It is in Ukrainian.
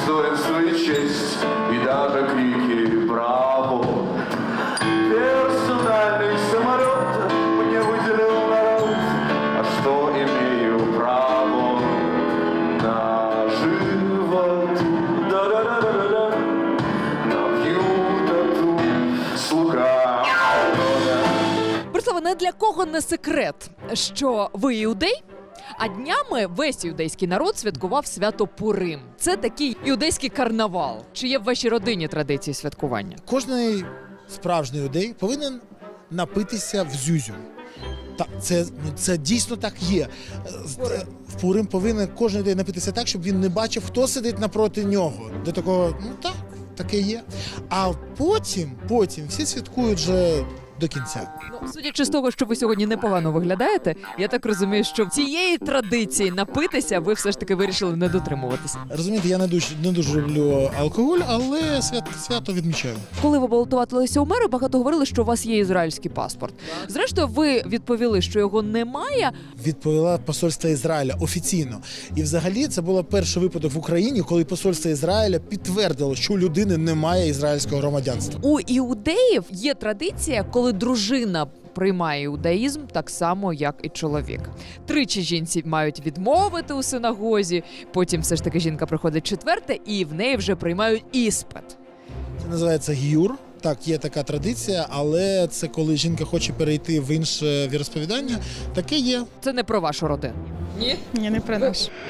достоинство и честь, и даже крики «Браво!». Персональный самолет мне выделил народ, а что имею право на живот. Да-да-да-да-да, набью тату слуга. Борислава, не для кого не секрет, що ви іудей, а днями весь іудейський народ святкував свято Пурим. Це такий іудейський карнавал. Чи є в вашій родині традиції святкування? Кожний справжній іудей повинен напитися в зюзю. Так, це дійсно так є. В Пурим повинен кожен іудей напитися так, щоб він не бачив, хто сидить напроти нього. До такого, так, таке є. А потім всі святкують вже до кінця. Судячи з того, що ви сьогодні непогано виглядаєте, я так розумію, що цієї традиції напитися ви все ж таки вирішили не дотримуватися. Розумієте, я не дуже люблю алкоголь, але свято відмічаю. Коли ви балотувалися у мери, багато говорили, що у вас є ізраїльський паспорт. Зрештою, ви відповіли, що його немає. Відповіла посольство Ізраїля офіційно. І взагалі це був перший випадок в Україні, коли посольство Ізраїля підтвердило, що у людини немає ізраїльського громадянства. У іудеїв є традиція, коли дружина приймає іудаїзм так само, як і чоловік. 3 жінці мають відмовити у синагозі, потім все ж таки жінка приходить 4 і в неї вже приймають іспит. Це називається гіюр. Так, є така традиція, але це коли жінка хоче перейти в інше віросповідання, таке є. Це не про вашу родину. Ні? Ні, не про наш.